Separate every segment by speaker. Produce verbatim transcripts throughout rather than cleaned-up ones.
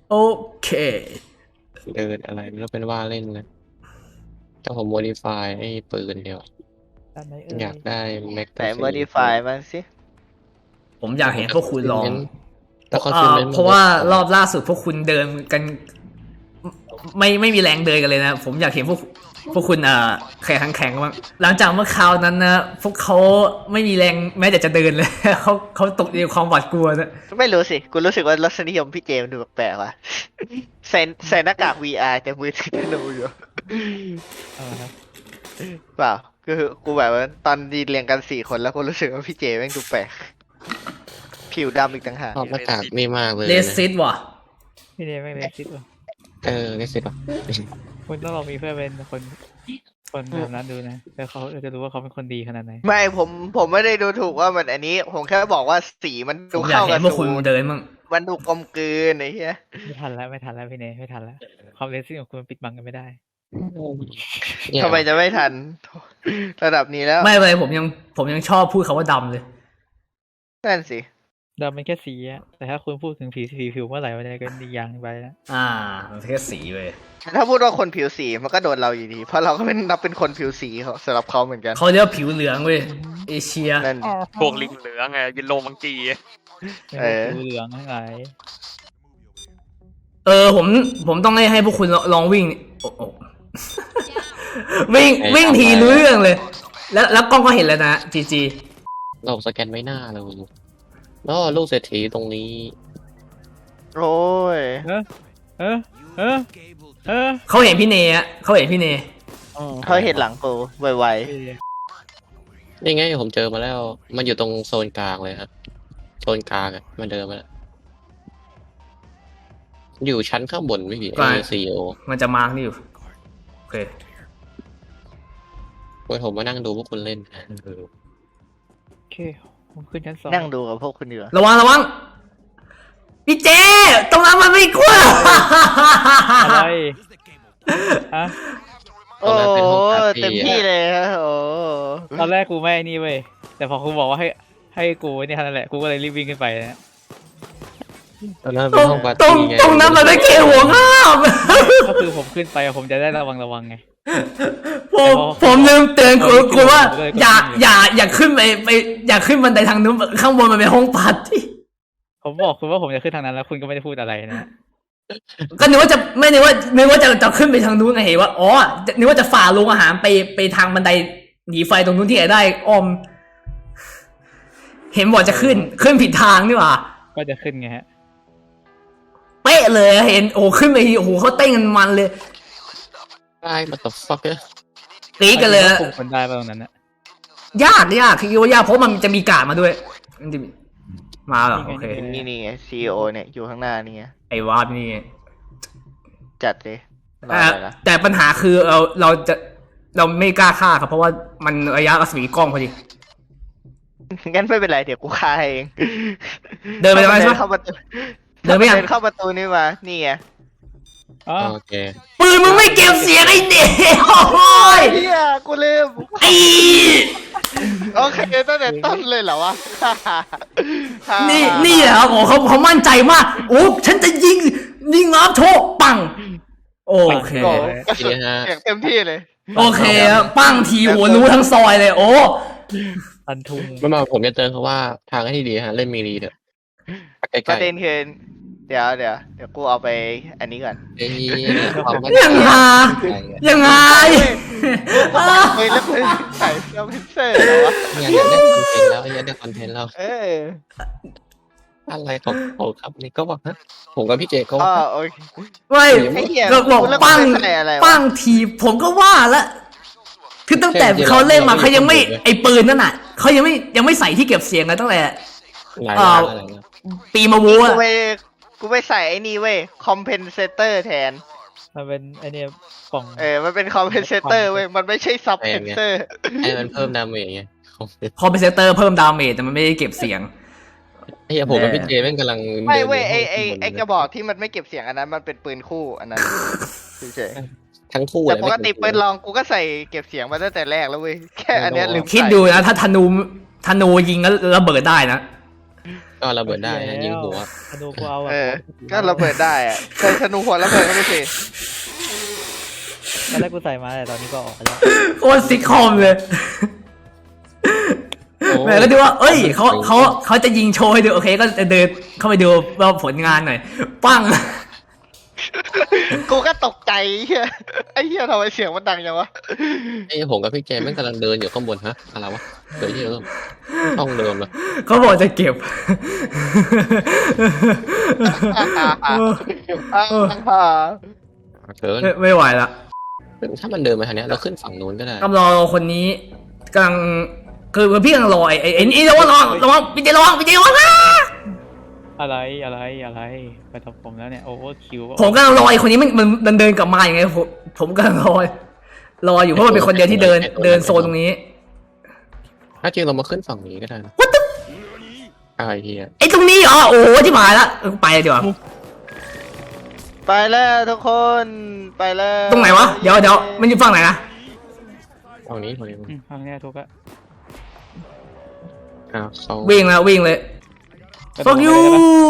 Speaker 1: โอเค
Speaker 2: เดินอะไรแล้วเป็นว่าเล่นนะแต่ผมโมดิฟายไอ้ปืนเดียวอยากได้แม็ก
Speaker 3: แต่
Speaker 2: ตาซี
Speaker 3: modify บ้างสิ
Speaker 1: ผมอยากเห็นพวกคุณลอง
Speaker 2: แต่คอน
Speaker 1: เอ่
Speaker 2: ฟิ
Speaker 1: อ
Speaker 2: เมนต์
Speaker 1: เพราะว่ารอบล่าสุดพวกคุณเดินกัน ไม่ไม่มีแรงเดินกันเลยนะ ผมอยากเห็นพวกพวกคุณเอ่อแข่งขันแข่งบ้างหลังจากเมื่อคราวนั้นนะพวกเขาไม่มีแรงแม้แต่จะเดินเลย เขาเขาตกอยู่ในความหวาดกลัวนะ
Speaker 3: ไม่รู้สิ กูรู้สึกว่ารสนิยมพี่เจมส์ดูแปลกๆว่ะใส่ใส่หน้ากาก วี อาร์ แต่มือถือธนูอยู่เปล่าคือกูแบบว่าตอนดีเรียงกันสี่คนแล้วกูรู้สึกว่าพี่เจแม่งดูแปลกผิวดำอีกต่างหาก
Speaker 2: ชอบหน้ากากนี่มากเลย
Speaker 1: เลสซิดว่ะ
Speaker 4: พี่เนยไม่เลสิตว่ะ
Speaker 2: เออเลสซิดป่ะ
Speaker 4: คุณต้องลองมีเพื่อนเป็นคนคนแบบนั้นดูนะแล้วเขาจะรู้ว่าเขาเป็นคนดีขนาดไหน
Speaker 3: ไม่ผมผมไม่ได้ดูถูกว่ามันอันนี้ ผมแค่บอกว่าสีมัน
Speaker 1: ผ
Speaker 3: ดู
Speaker 1: มอยาก
Speaker 3: เข้า
Speaker 1: เห็
Speaker 3: กัน
Speaker 1: พวกคุณเดินมั่ง
Speaker 3: มันดูกลมกลืนไอ้เหี้ย
Speaker 4: ไม่ทันแล้วไม่ทันแล้วพี่เนยไม่ทันแล้วความเลสิตของคุณปิดบังกันไม่ได้
Speaker 2: เนี่ย
Speaker 3: ทำไมจะไม่ทัน ระดับนี้แล้ว
Speaker 1: ไม่เป็นไรผมยังผมยังชอบพูดคาว่าดำเลย
Speaker 3: นั่นสิ
Speaker 4: ดำเป็นแค่สีอะแต่ถ้าคุณพูดถึงผิวสีผิวเมื่อไหร่มันจะเป็นอีกอย่างไปแล้ว
Speaker 1: อ่ามันแค่สีเว้ย
Speaker 3: ถ้าพูดว่าคนผิวสีมันก็โดนเราอยู่ดี เพราะเราก็เป็นนับเป็นคนผิวสีเขาสำหรับเขาเหมือนกัน
Speaker 1: เขาเรียกว่าผิวเหลืองเว้ยเอเชีย
Speaker 3: นั่น
Speaker 5: พวกลิงเหลืองไงยินโลมังกี
Speaker 3: เออ
Speaker 4: ผิวเหลืองทั้งหลาย
Speaker 1: เออผมผมต้องให้ให้พวกคุณลองวิ่งโอ้โห วิ่งวิ่งทีรู้เรื่องเลย แล้วแล้วกล้องก็เห็นแล้วนะจีจี
Speaker 2: เราสแกนไว้หน้าเราแล้วลูกเศรษฐีตรงนี้
Speaker 3: โอ้ย
Speaker 4: เออเออเออเออ
Speaker 1: เขาเห็นพี่เนยอะเขาเห็นพี่เนย
Speaker 3: เขาเห็นหลังกูไว
Speaker 2: นี่ไงผมเจอมาแล้ว มันอยู่ตรงโซนกลางเลยครับโซนกลางอะมันเดินมาแล้วอยู่ชั้นข้างบนไม่ผิดไอซีโอ
Speaker 1: มันจะมาร์กนี่อยู่โอเค
Speaker 2: เว้ยผมมานั่งดูพวกคุณเล่นนะเออ
Speaker 4: โอเคผมขึ้นชั้นสอง
Speaker 3: ๆนั่งดูกับพวกคุณดีกว่า
Speaker 1: ระวังระวังพี่เจตรงนั้นมันไม่กลัว
Speaker 4: อะไรฮะ
Speaker 3: โอ้เต็มที่เลยฮะโอ้
Speaker 4: ตอนแรกกูไม่นี่เว้ยแต่พอกูบอกว่าให้ให้กูนี่เท่านั้นแหละกูก็เลยรีบวิ่งขึ้นไปนะ
Speaker 2: ตอนนั้น
Speaker 1: ต
Speaker 2: เป็
Speaker 1: ร
Speaker 2: น
Speaker 1: ง
Speaker 2: ห้องปาร์
Speaker 1: ตรง
Speaker 2: ตี้ไง
Speaker 1: ตรงนั้นมันไม่เกี่ยวหัวข้าม
Speaker 4: ก็คือผมขึ้นไปผมจะได้ระวังระวังไง
Speaker 1: ผมผมลืมเตือนคุณคุณว่า
Speaker 4: เออ
Speaker 1: อย่าอย่าอย่าขึ้นไปไปอย่าขึ้นบันไดทางนู้นข้างบนมันเป็นห้องปาร์ตี้
Speaker 4: ผมบอกคุณว่าผมจะขึ้นทางนั้นแล้วคุณก็ไม่ได้พูดอะไรนะ
Speaker 1: ก็นึกว่าจะไม่นึกว่านึกว่าจะจะขึ้นไปทางนู้นไงเห็นว่าอ๋อนึกว่าจะฝ่าโรงอาหารไปไปทางบันไดหนีไฟตรงนู้นที่ไหนได้อ้อม เห็นบอกจะขึ้นขึ้นผิดทางนี่หว่า
Speaker 4: ก็จะขึ้นไงฮะ
Speaker 1: เป๊ะเลยเห็นโอ้ขึ้นไปทีโอ้โหเขาเต้นกันมันเลย
Speaker 2: ได้มาต่อฟักเกอร์
Speaker 1: กรี๊ดกันเลย
Speaker 4: คุมคนได้ป่ะตรงนั้นนะ
Speaker 1: ยากยากคือว่ายากเพราะมันจะมีการ์ดมาด้วยมันจะมีมาเหรอโอเค
Speaker 3: นี่นี่ไงซีโอเนี่ยอยู่ข้างหน้านี่ไง
Speaker 1: ไอ้วาดนี่
Speaker 3: จัดเลยรอ
Speaker 1: แต่
Speaker 3: อะไรนะ
Speaker 1: แต่ปัญหาคือเราเราจะเราไม่กล้าฆ่าครับเพราะว่ามันระยะรัศมีกล้องพอดี
Speaker 3: งั้นไม่เป็นไรเดี๋ยวกูฆ่าเอง
Speaker 1: เดินไปได้ไหม
Speaker 3: เดินเข้าประตู
Speaker 1: เดินไปยัง
Speaker 3: เดินเข้าประตูนี่มานี่ไง
Speaker 4: อ๋อ
Speaker 2: โอเค
Speaker 1: ปืนมึงไม่เก็บเสียงไอ้เด็กโอ้ย
Speaker 3: เฮียกูลืม
Speaker 1: ไอ้
Speaker 3: โอเคตั้งแต่ต้นเลยเหรอวะ
Speaker 1: นี่นี่เหรอโอ้เขาเขามั่นใจมากโอ้ฉันจะยิงยิงน้ำโชกปังโอเค
Speaker 3: โอ้กระสุนเสียงเต็มที่เลย
Speaker 1: โอเคครับปังทีหัวรู้ทั้งซอยเลยโอ้
Speaker 4: พันทุง
Speaker 2: เมื่อมาผมจะเตือนเขาว่าทางที่ดีฮะเล่นมีรีเถอะใก
Speaker 3: ประ
Speaker 2: ล้
Speaker 3: เด็นคือเดี๋ยวเดี๋ยวเดี๋ยวกูเอาไปอันนี้ก่อน
Speaker 2: ๆไอ้ความมั่น
Speaker 1: ยังไงยังไง
Speaker 3: เฮ้ยแล้วมึงใส่เสื้อเพนเซอร์เหรอวะ
Speaker 2: เนี่ยอยากได้คอนเทนต์แล้วอยากได้คอนเทนต์แล้ว
Speaker 3: เออ
Speaker 2: อะไรของเขาครับนี่ก็บอกฮะผมกับพี่เจก็
Speaker 3: อ๋อ
Speaker 2: ว่า
Speaker 3: โอเค
Speaker 1: ไม่
Speaker 3: ไอ้เหี้ย
Speaker 1: เราบอก
Speaker 3: แล้ว
Speaker 1: ปัง
Speaker 3: มึงใส่อะไรวะ
Speaker 1: ปังทีผมก็ว่าละคือตั้งแต่เขาเล่นมาเขายังไม่ไอปืนนั่นน่ะเขายังไม่ยังไม่ใส่ที่เก็บเสียงกันตั้งแต่
Speaker 2: หลายล้านอะไรนะ
Speaker 1: ปีมาวัว
Speaker 3: กูไปกูไปใส่ไอ้นี่เว้ยคอมเพนเซเตอร์แทน
Speaker 4: มันเป็นไอเนี่ยกล่อง
Speaker 3: เออมันเป็นคอมเพนเซเตอร์เว้ยมันไม่ใช่ซับเพนเซอร์
Speaker 2: ไอ้มันเพิ่มดาเมจไง
Speaker 1: คอมเพนเซเตอร์เพิ่มดาเมจแต่มันไม่ได้เก็บเสียง
Speaker 2: ไอ้เหี้ยผมกับพี่เจแม่งกำลัง
Speaker 3: ไม่เว้ยไอไอไอกระบอกที่มันไม่เก็บเสียงอันนั้นมันเป็นปืนคู่อันนั้นเฉย
Speaker 2: ทั้งคู่
Speaker 3: ๆแต่
Speaker 2: เลย
Speaker 3: ปกติปืนลองกูก็ใส่เก็บเสียงมาตั้งแต่แรกแล้วเว้ยแค่อันเนี้ยลืม
Speaker 1: คิดดูนะถ้าธนูธนูยิงแล้วระเบิดได้นะ
Speaker 2: ก็ระเบิดได้นะยิงหัว
Speaker 4: ธนูกูเอาอะ
Speaker 3: เออ ก็ระเบิดได้อะเคยธนูหัวระเบิดก็ไม่สิ
Speaker 4: ตอนแรกกูใส่มาแต่ตอนนี้ก็ออกไปแล้ว
Speaker 1: โคตรซิกคอมเลย
Speaker 2: โอ้
Speaker 1: แม่ก็ดูว่า เอ้ยเขาเขาเขาจะยิงโชว์ให้ดูโอเคก็จะเดินเข้าไปดูว่าผลงานหน่อยปั้ง
Speaker 3: กูก็ตกใจไอ้เฮียไอ้เฮียทำไมเสียงมันดังจังวะ
Speaker 2: ไอ้ผมกับพี่เจมส์แม่งกำลังเดินอยู่ข้างบนฮะอะไรวะเดี๋ยวที่เริ่มต้องเดินเลย
Speaker 1: เขาบอกจะเก็บ
Speaker 2: เกิน
Speaker 1: ไม่ไม่ไหวละ
Speaker 2: ถ้ามันเดินมาทางเนี้ยเราขึ้นฝั่งนู้นก็ได้
Speaker 1: กำลังรอคนนี้กำลังคือคือพี่กำลังรอไอ้ไอ้ไอ้นี่ระวังระวังระวังพี่เจระวังพี่เจระวังนะ
Speaker 4: อะไรอะไรอะไรไปทำผมแล้วเนี่ยโอเวอร์คิว
Speaker 1: ผมกำลังรอไอ้คนนี้มันมันมันเดินกลับมาอย่างไงผมผมกำลังรอรออยู่เพราะมันเป็นคนเดียวที่เดินเดินโซนตรงนี้
Speaker 2: ถ้าจริงเรามาขึ้นฝั่งนี้ก็ได้นะอะไรเฮีย
Speaker 1: ไอ้ตรงนี้เหรอโอ้โหที่หายละเออไปดีกว่า
Speaker 3: ไปแล้วทุกคนไปแล้ว
Speaker 1: ตรงไหนวะเดี๋ยวเดี๋ยวมันอยู่ฝั่งไหนนะ
Speaker 2: ฝั่งนี้ฝั่งนี้
Speaker 4: อืมทางเนี้ยทุกอะ
Speaker 2: อ่าเขา
Speaker 1: วิ่งแล้ววิ่งเลย fuck you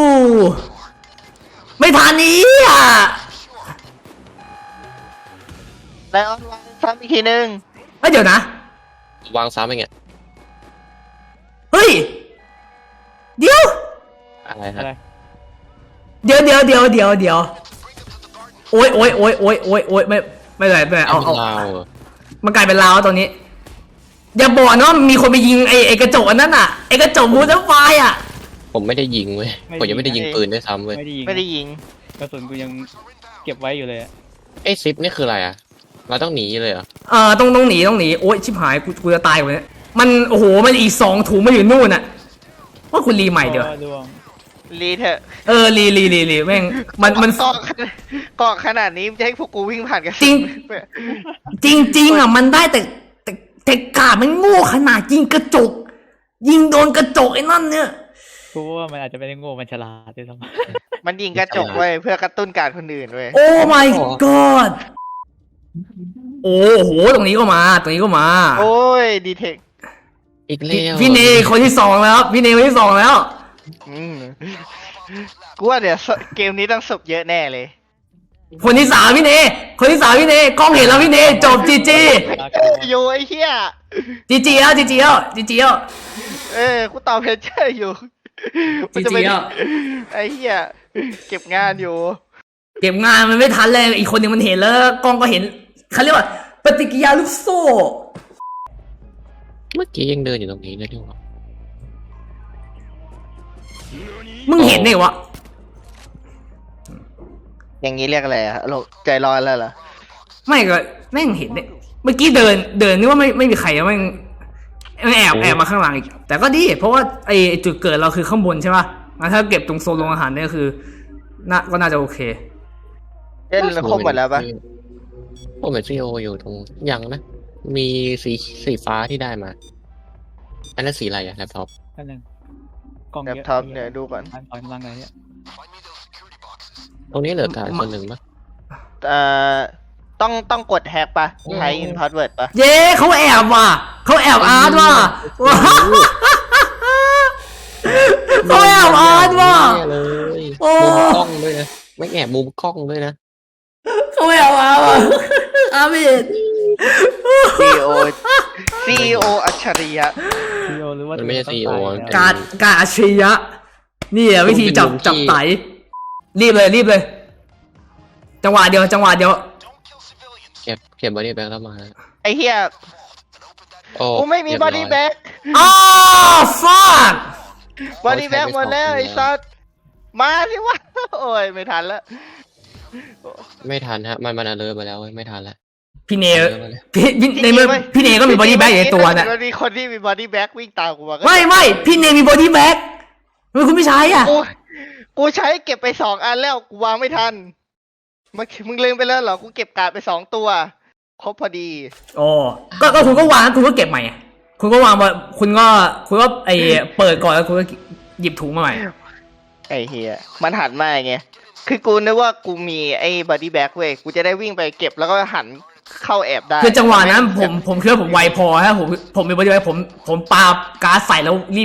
Speaker 1: ไม่ทันนี้อ่ะ
Speaker 3: ไลออนวางซ้ำอีกทีนึง
Speaker 1: เฮ้ยเดี๋ยวนะ
Speaker 2: วางซ้ำไปไง
Speaker 1: เฮ้ยเดี๋ยว
Speaker 2: อะไร
Speaker 4: อะ
Speaker 2: ฮะ
Speaker 4: ไร
Speaker 1: เดี๋ยวเดี๋ยวเดี๋ยวเดี๋ยวเดี๋ยวโอ๊ยโอ๊ยโอ๊ยโอ๊ยโอ๊ยโอ๊ยไม่ไม่เป็นไรไม่เป็นไรเอาเอา
Speaker 2: ลาวเหรอ
Speaker 1: มันกลายเป็นลาวตอนนี้อย่าบอกนะว่ามีคนไปยิงไอ้ไอ้กระจกอันนั้นอ่ะไอ้กระจกบูธไฟอ่ะ
Speaker 2: ผมไม่ได้ยิงเว้ยผมยังไม่ได้ยิงปืนด้วยซ้ำเว้ย
Speaker 4: ไม่ได้ยิง
Speaker 3: ไม่ได้ยิง
Speaker 4: กระสุนกูยังเก็บไว้อยู่เลยอะ
Speaker 2: ไอ้ซิปนี่คืออะไรอ่ะเราต้องหนีเลยเหรอ
Speaker 1: เออต้องต้องหนีต้องหนีโอ๊ยชิบหายกูกูจะตายกว่านี้มันโอ้โหมันอีกสองถุงมาอยู่นู่นอ่ะว่าคุณรีใหม่เดี๋ยว
Speaker 4: โอ้ดวง
Speaker 3: รีเถอะ
Speaker 1: เออรีรีรีรีแม่งมันมัน
Speaker 3: เกาะเกาะขนาดนี้จะให้พวกกูวิ่งผ่านกัน
Speaker 1: จริง จริงจริงอ่ะมันได้แต่แต่แต่กาดมันโง่ขนาดยิงกระจก ยิงโดนกระจกไอ้นั่นเนี่ย
Speaker 4: กูว่ามันอาจจะไม่ได้โง่มันฉลาดด้วยซ้ำ
Speaker 3: มันยิงกระจกไว้เพื่อกระตุ้นการคนอื่นเว้ย
Speaker 1: โอ้ my god โอ้โหตรงนี้ก็มา ตรงนี้ก็มา
Speaker 3: โอ้ยดีเทค
Speaker 2: อีก
Speaker 1: พี่
Speaker 2: แล้ว
Speaker 1: พี่เนคนที่สองแล้วพี่เนคนที่สองแล้ว
Speaker 3: อืมกูว่าเดี๋ยวเกมนี้ต้องสบเยอะแน่เลย
Speaker 1: คนที่สามพี่เนคนที่สามพี่เนกล้องเห็นแล้วพี่เนจบจีจี
Speaker 3: อยู่ไอ้เหี้ย
Speaker 1: จีจีแล้วจีจีแล้วจีจีแล้ว
Speaker 3: เออกูตอบเพจเจอร์อยู่มันจะเป็น
Speaker 1: จริงๆอ่ะ
Speaker 3: ไอ้เหี้ยเก็บงานอยู่
Speaker 1: เก็บงานมันไม่ทันเลยอีกคนหนึ่งมันเห็นแล้วกล้องก็เห็นเขาเรียกว่าปฏิกิริยาลูกโซ่
Speaker 2: เมื่อกี้ยังเดินอยู่ตรงนี้นะที่ว่า
Speaker 1: มึงเห็นไงวะ
Speaker 3: อย่างนี้เรียกอะไรอะโลกใจร้อนแล้วเหรอ
Speaker 1: ไม่ก็แม่งเห็นเนี่ยเมื่อกี้เดินเดินนึกว่าไม่ไม่มีใครแล้วแม่งแม่งแอบแอบมาข้างหลังอีกแต่ก็ดีเพราะว่าไอไอ้จุดเกิดเราคือข้างบนใช่ป่ะงั้นถ้าเก็บตรงโซนโรงอาหารเนี่ยคือน่าก็น่าจะโอเค
Speaker 3: เล่นครบหมดแล้วปะ
Speaker 2: ผมเห็นซีโออยู่ตรงยังนะ มีสีสีฟ้าที่ได้มา อันนั้นสีอะไรอะแล็ปท็อป
Speaker 4: นั่นหนึ่งกล้อง
Speaker 3: แล็ป
Speaker 4: เยอะ
Speaker 3: ท็อปเนี่ยดูก่อน
Speaker 4: อันต่อยกำลังไงเนี่ย
Speaker 2: ตรงนี้เหลือการคนหนึ่งปะ
Speaker 3: เอ่อต้องต้องกดแฮกปะใช้อินพาสเวิร์ดปะ
Speaker 1: เย้เขาแอบว่ะเขาแอบอาร์ตว่ะว้าวเขาแอบอาร์ตว่ะ
Speaker 2: แน่เลย
Speaker 1: โอ้
Speaker 2: มุมกล้องด้วยนะ ไม่แอบมุมกล้องด้วยนะ
Speaker 1: เขาแอบอาร์ตว่ะอาร์มิด
Speaker 3: ซีโอซีโออัจฉริยะ
Speaker 4: ซีโอหรือว่า
Speaker 2: มันไม่ใช่ ซีอีโอ
Speaker 4: ต้องตายแล้ว
Speaker 1: การการอาชียะนี่อะวิธีจับจับไตรีบเลยรีบเลย จังหวะเดียวจังหวะเดียว
Speaker 2: เก็บเก็บบอดี้แบ็กแล้วมา
Speaker 3: ไอ้เหี้ย
Speaker 2: โอ้
Speaker 3: กูไม่มี
Speaker 2: เรีย
Speaker 3: บอ
Speaker 2: ร้ย
Speaker 3: ดี้แบ็ก
Speaker 1: อ้าวฟัก
Speaker 3: บอดี้แบ็กหมดแล้วไอ้สัสมาสิวะโอ้ยไม่ทันแล้ว
Speaker 2: ไม่ทันฮะ มันมันอเลิร์มาแล้วเว้ยไม่ทันแล้ว
Speaker 1: พี่เน
Speaker 2: เออมาเลย
Speaker 1: พี่พี่ในเมื่อพี่เนก็มีบอดี้แบ็กอยู่ในตัวน่ะ
Speaker 3: มันมีคนที่มีบอดี้แบ็กวิ่งตามกูมาก็
Speaker 1: ไม่ไม่พี่เนมีบอดี้แบ็กทำไมคุณไม่ใช้อ่ะ
Speaker 3: กูกูใช้เก็บไปสองอันแล้วกูวางไม่ทันมึงมึงลืมไปแล้วเหรอกูเก็บการ์ดไปสองตัวครบพอดี
Speaker 1: โอ้ก็ก็คุณก็วางคุณก็เก็บใหม่อะคุณก็วางมาคุณก็คุณก็ไอเปิดก่อนแล้วคุณก็หยิบถุงมาใหม่
Speaker 3: ไอ้เฮียมันหันมาไงคือกูนึกว่ากูมีไอ้บอดี้แบ็กเว้ยกูจะได้วิ่งไปเก็บแล้วก็หันเข้าแอบได้
Speaker 1: คือจังหวะนั้นผมผมคิดว่าผมไวพอฮะผมผมมีบอดี้แบ็กผมผมปาการ์ดใส่แล้วรีบ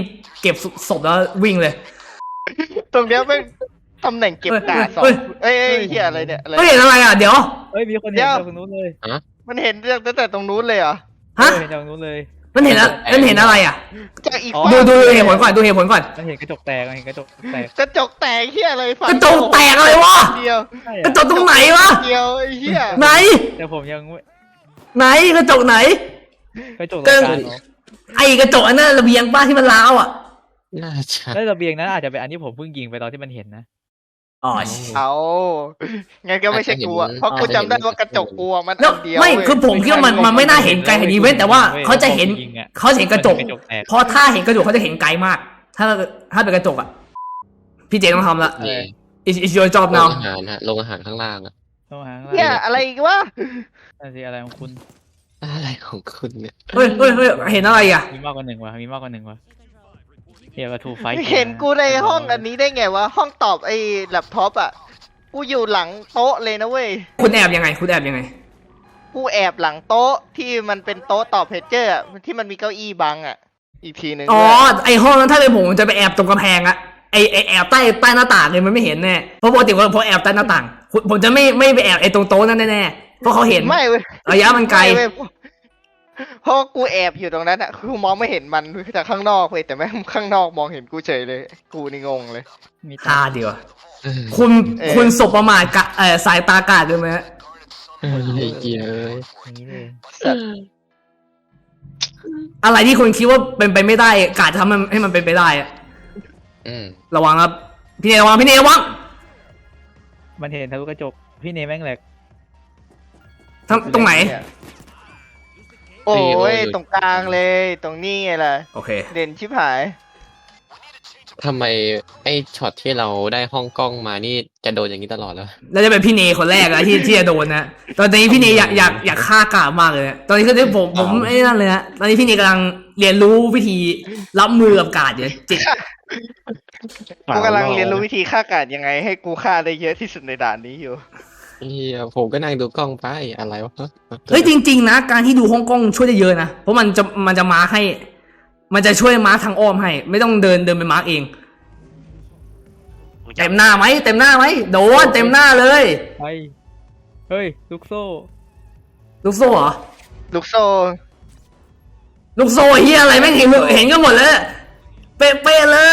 Speaker 1: เก็บศพแล้ววิ่งเลย
Speaker 3: ตรงเนี้ยเป็นตำแหน่งเก็บกาดสอง
Speaker 1: เฮ้ย
Speaker 3: เอ้ยเอ้ยเฮียอะไรเนี่ยอะไร
Speaker 1: ไม่เห็นอะไรอ่ะเดี๋ยว
Speaker 4: เฮ้ยมีคนเห็นจากตรงนู้นเลย
Speaker 3: มันเห็นตั้งแต่ตรงนู้นเลยเหรอ
Speaker 1: ฮะ
Speaker 4: เห็นจากตรงนู้นเลย
Speaker 1: มันเห็นอะมันเห็นอะไรอ่ะ
Speaker 3: จากอีก
Speaker 4: อ๋อ
Speaker 3: ฝั่ง
Speaker 1: ดูดูเหตุผลก่อนดูเหตุผลก่อน
Speaker 4: มันเห็นกระจกแตกมันเห็นกระจกแตก
Speaker 3: กระจกแตกเฮียอะไรฝั่ง
Speaker 1: กระจกแตกอะไรวะ
Speaker 3: เดียว
Speaker 4: ใช่
Speaker 1: กระ
Speaker 4: อะ
Speaker 1: จกตรงไหนวะ
Speaker 3: เดียวไอ้เฮีย
Speaker 1: ไหน
Speaker 4: แต่ผมยังไม่
Speaker 1: ไหนกระจกไหน
Speaker 4: กระจกรายการเหรอ
Speaker 1: ไอ้กระจกอันนั้นระเบียงป้าที่มันร้าวอ่ะ
Speaker 2: น่าจะ
Speaker 4: แล้วระเบียงนั้นอาจจะเป็นอันที่ผมเพิ่งยิงไปตอนที่มันเห็นนะ
Speaker 1: อ๋อ
Speaker 3: เอางั้นก็ไม่ใช่กูอะเพราะกูจำได้ว่ากระจกกูอะมัน
Speaker 1: แล้ว
Speaker 3: อันเดียว
Speaker 1: ไม่
Speaker 3: เว้ย
Speaker 1: คือผมคิดว่ามันมันไม่น่าเห็นไกลขนาดนี้เว้นแต่ว่าเขาจะเห็น
Speaker 4: ยิงอะ
Speaker 1: เขาจะเห็นกระจก
Speaker 4: มันเห็นกระจกแตก
Speaker 1: เพราะถ้าเห็นกระจกเขาจะเห็นไกลมาก ถ้าถ้าเป็นกระจกอ่ะพี่เจต้องทำละ
Speaker 2: นี่
Speaker 1: is is your job
Speaker 2: โรง
Speaker 1: now
Speaker 2: อาหารฮะโรงอาหารข้างล่างอะ
Speaker 4: ต้องหาข้าง
Speaker 3: เฮีย
Speaker 4: ล่าง
Speaker 3: อะไรอีกวะ
Speaker 4: นั่นสิอะไรของคุณ
Speaker 2: อะไรของคุณเนี่ย
Speaker 1: เฮ้ยเฮ้ยเฮ้ยเห็นอะไรอ่ะ
Speaker 4: มีมากกว่าหนึ่งวะมีมากกว่าหนึ่งวะเฮียกระทูไฟ
Speaker 3: เห็นกูในห้องอันนี้ได้ไงวะห้องตอบไอ้แล็ปท็อปอะกูอยู่หลังโต๊ะเลยนะเว้ย
Speaker 1: คุณแอบยังไง คุณแอบยังไง
Speaker 3: กูแอบหลังโต๊ะที่มันเป็นโต๊ะตอบเพจเจอร์อะที่มันมีเก้าอี้บังอะอีกทีหนึ่ง
Speaker 1: อ๋อ
Speaker 3: ด้วย
Speaker 1: ไอห้องนั้นถ้าเป็นผมผมจะไปแอบตรงกำแพงอะไอไอแอบใต้ใต้หน้าต่างเลยมันไม่เห็นแน่เพราะปกติผมแอบใต้หน้าต่างผมผมจะไม่ไม่ไปแอบไอตรงโต๊ะนั่นแน่ๆเพราะเขาเห็น
Speaker 3: ไม่เว้ย
Speaker 1: ระยะมันไกล
Speaker 3: ม่เว้ยเพราะกูแอบอยู่ตรงนั้นอะกูมองไม่เห็นมันจากข้างนอกเว้ยแต่แม่งข้างนอกมองเห็นกูเฉยเลย กูนี่งงเลย
Speaker 4: มี
Speaker 1: ฮาเดียว
Speaker 2: เออ
Speaker 1: คุณ
Speaker 3: เออ
Speaker 1: คุณสบประมาทกะเออสายตากาดด้วยไหมฮะ
Speaker 2: เออไอ้เกียเอ้ย
Speaker 4: อย่างนี้เลย
Speaker 1: อะไรที่คุณคิดว่าเป็นไปไม่ได้กาดทำมันให้มันเป็นไปได้อะ
Speaker 2: อืม
Speaker 1: ระวังครับพี่เนยระวังพี่เนยระวัง
Speaker 4: มันเห็นทะลุกระจกพี่เนแม่งแหลก
Speaker 1: ทำตรงไหน
Speaker 3: โอ้ยตรงกลางเลย ตรงนี้ไงล่ะ
Speaker 1: โอเค
Speaker 3: เด่นชิบหาย
Speaker 2: ทำไมไอ้ช็อตที่เราได้ห้องกล้องมานี่จะโดนอย่างนี้ตลอดแล้ว
Speaker 1: แล้วจะเป็นพี่เนยคนแรกอะที่ที่จะโดนนะตอนนี้พี่เนยอยากอยากอยากฆ่ากาดมากเลยนะตอนนี้คือที่ผมผมไอ้นั่นเลยนะตอนนี้พี่เนยกำลังเรียนรู้วิธีรับมือกับกาดอยู่จิต
Speaker 3: กูกำลังเรียนรู้วิธีฆ่ากาดยังไง ให้กูฆ่าได้เยอะที่สุดในด่านนี้อยู่
Speaker 2: เฮียผมก็นั่งดูกล้องไปอะไรวะ
Speaker 1: เฮ้ยจริงๆนะการที่ดูฮ่องกงช่วยได้เยอะนะเพราะมันจะมันจะมาร์คให้ มันจะช่วยมาร์คทางอ้อมให้ ไม่ต้องเดินเดินไปมาร์คเองเต็มหน้าไหมเต็มหน้าไหมโดนเต็มหน้าเลย
Speaker 4: ไปเฮ้ยลูกโซ่
Speaker 1: ลูกโซ่เหรอ
Speaker 3: ลูกโซ่
Speaker 1: ลูกโซ่เฮียอะไรแม่งเห็นเห็นกันหมดเลยเป๊ะๆเลย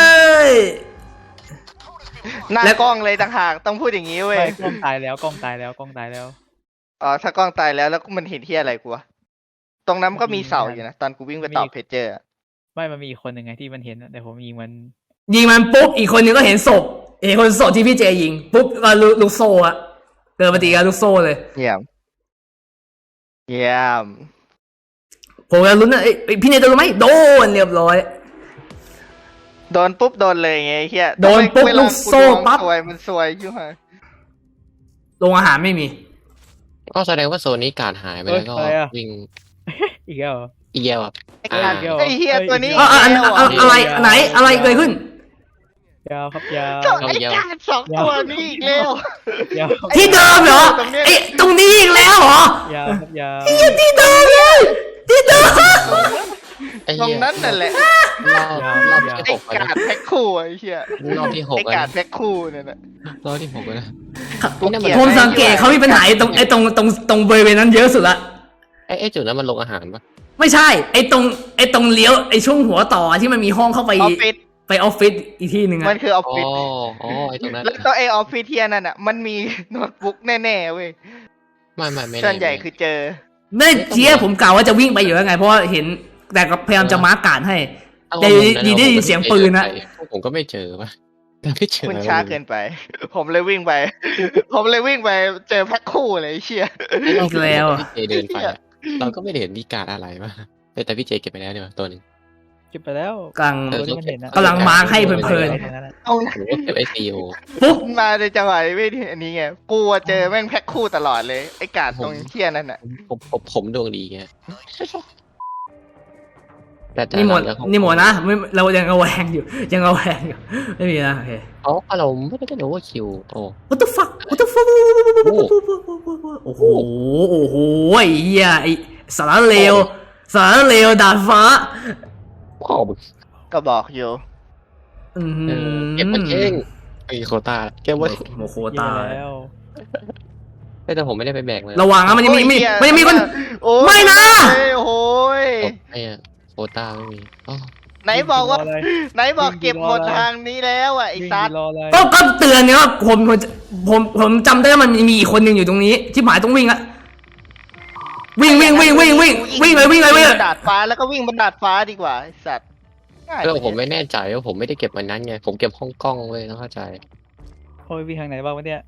Speaker 3: หน้า
Speaker 1: แล้ว
Speaker 3: กล้องเลยต่างหากต้องพูดอย่างนี้เว้ย
Speaker 4: ไปกล้องตายแล้วกล้องตายแล้วกล้องตายแล้ว
Speaker 3: อ๋อถ้ากล้องตายแล้วแล้วมันเห็นที่อะไรกูวะตรงนั้นมันก็มีเสาอยู่นะตอนกูวิ่งไปตอบเพจเจอร์อะ
Speaker 4: ไม่มันมีอีกคนหนึ่งไงที่มันเห็นอะแต่ผมยิงมัน
Speaker 1: ยิงมันปุ๊บอีกคนนึงก็เห็นศพเห็นคนศพที่พี่เจยิงปุ๊บก็ลูลูกโซ่อะเกิดปฏิกิริยาลูกโซ่เลย
Speaker 3: เยี่ยมเยี่ยม
Speaker 1: ผมจะลุ้นนะเอ้ยเอ้ยพี่เนยจะรู้ไหมโดนเรียบร้อย
Speaker 3: โดนปุ๊บโดนเลยไงเฮีย
Speaker 1: โดนปุ๊บ
Speaker 3: เวา
Speaker 1: ลูกโซ่
Speaker 3: กูดวง
Speaker 1: ปั๊บ
Speaker 3: สวยมันสวยอยู่ฮะ
Speaker 1: โรงอาหารไม่มี
Speaker 2: ก็แสดงว่าโซนนี้การหายไปแล้วก็วิ่ง
Speaker 4: อีกแล้วเหรอ
Speaker 2: อีเยลอ่ะ
Speaker 3: ไอ้การ
Speaker 4: อ่า
Speaker 3: ไอ้เฮียตัวนี้
Speaker 1: อ่ะอ่ะอันอ่ะอ่ะอะไรไหนอะไรเกิดขึ้น
Speaker 4: ยาวครับยาว
Speaker 3: เจ้าไอ้การสองตัวนี้อีกแล้ว
Speaker 4: ยาวครับ
Speaker 1: ที่เดิมเหรอ
Speaker 3: ตรงเนี้ย
Speaker 1: ไอ้ตรงนี้อีกแล้วเหรอย
Speaker 4: าวครับยาว
Speaker 1: ที่เดิมเลยที่เดิม
Speaker 2: ไอ้
Speaker 3: ตร
Speaker 2: เหี้
Speaker 3: ง
Speaker 2: ย
Speaker 3: นั้นนั่นแหละ
Speaker 2: รอบรอบที่
Speaker 3: ไอ้
Speaker 2: หกแล้ว
Speaker 3: กา
Speaker 2: นะ
Speaker 3: ดแพ็คคู่ไอ้เฮีย
Speaker 2: รอบที่หก
Speaker 3: ไอ้
Speaker 2: แล้ว
Speaker 3: กาด
Speaker 2: นะ
Speaker 3: แพ็คคู่เนี่ยนะ
Speaker 2: รอบที่หกแล้วนะ
Speaker 3: กูเกลียด
Speaker 1: ผมสังเกตเขามีปัญหาไอ้ตรงไอ้ตรงตรงตรงบริเวณนั้นเยอะสุดละ
Speaker 2: ไอ้ไอ้จุดนั้นมันลงอาหารปะ
Speaker 1: ไม่ใช่ไอ้ตรงไอ้ตรงเลี้ยวไอ้ช่วงหัวต่อที่มันมีห้องเข้าไป
Speaker 3: ออฟฟิศ
Speaker 1: ไปออฟฟิศอีกที่หนึ่ง
Speaker 3: มั
Speaker 1: อะ
Speaker 3: นคือออฟ
Speaker 2: อ๋อ
Speaker 3: ฟิศ
Speaker 2: อ๋อไอ้ตรงนั้น
Speaker 3: แล้วตัวไอออฟฟิศเทียนั่นอ่ะมันมีโน้ตบุ๊กแน่ๆเว้ย
Speaker 2: ไม่ไม่ไม่
Speaker 3: ส่วนใหญ่คือเจอ
Speaker 1: เมื่อกี้ผมกล่าวว่าจะวิ่งไปอยู่แล้วไง เพราะว่าเห็นแต่ก็พยายามจะมาร์กการให้ แต่ดีได้ยินเสียงปืนนะ
Speaker 2: ผมก็ไม่เจอปะแต่ไม่เจอ
Speaker 3: คุณช้าเกินไป ผมเลยวิ่งไป ผมเลยวิ่งไปเจอแพ็คคู่เลยไอ้เชี่ย
Speaker 1: อีกแล้ว
Speaker 2: พี่เจเดินไปอะเราก็ไม่ได้เห็นมีการอะไรปะแต่พี่เจเก็บไปแล้วเนี่ยตัวหนึง
Speaker 4: เก็บไปแล้ว
Speaker 1: กำลัง
Speaker 2: เออ
Speaker 4: ตัวที่มันเห็นนะ
Speaker 1: กำลังมาร์คให้เพลิน
Speaker 3: เอา
Speaker 2: ผมก็เก็บไอซีโอ
Speaker 1: ปุ๊บ
Speaker 3: มาในจังหวะไม่ที่อันนี้ไงกูอะเจอแม่งแพ็คคู่ตลอดเลยไอ้กาดตรงเชี่ยนั่นอ่ะ
Speaker 2: ผมผมผมดวงดีไงแต่แต่
Speaker 1: นี่หมด
Speaker 2: หลังจาก
Speaker 1: นี่หมดนะไม่เรายังเอาแวงอยู่ ยังเอาแวงอยู่ไม่มีนะโอเค
Speaker 2: อ๋อเราไม่ได้โอเวอร์คิวโอ้
Speaker 1: what the fuck what the fuck โอ้โหโอ้โหไอ้เหี้ยไอ้สารเลวสารเลวดาดฟ้า
Speaker 2: พ่อมึง
Speaker 3: ก็บอกอยู่
Speaker 1: อืม
Speaker 2: เออเก็บมันเองไอ้โควต้าเก็บไว้
Speaker 1: โมโค
Speaker 4: เหี้
Speaker 1: ตาย
Speaker 4: แล้ว
Speaker 2: แต่ผมไม่ได้ไปแบกเลย
Speaker 1: ระวังนะมันยังมีมี
Speaker 3: โอ้ย
Speaker 1: มันยังมีคน
Speaker 3: โอ้ย
Speaker 1: ไม่นะ
Speaker 3: โอ้ย
Speaker 2: ไอ้อะโควต้าไม่มีอ๋อ
Speaker 3: ไหนบอกว่า
Speaker 4: รอะไร
Speaker 3: ไหนบอกเก็บหมดทางนี้แล้วอ่ะไอ้
Speaker 4: วิ่ง
Speaker 3: ซัด
Speaker 4: รออะไร
Speaker 1: ก็ก็เตือนเนี่ยว่าผมผมผมผมจำได้ว่ามันมีอีกคนหนึ่งอยู่ตรงนี้ ที่หมายต้องวิ่งอะวิ่งวิ่งวิ่งวิ่งวิ่งวิ่งเลยวิ่งเลยวิ่งเลย
Speaker 3: บนดาดฟ้าแล้วก็วิ่งบนดาดฟ้าดีกว่าไอ้สัตว์ง่าย
Speaker 2: แล้วผมไม่แน่ใจว่าผมไม่ได้เก็บมันนั้นไงผมเก็บห้องกล้องเว้ยต้องเข้าใจ
Speaker 4: โอ้ยวิ่งทางไหนบ้างวะเนี่ย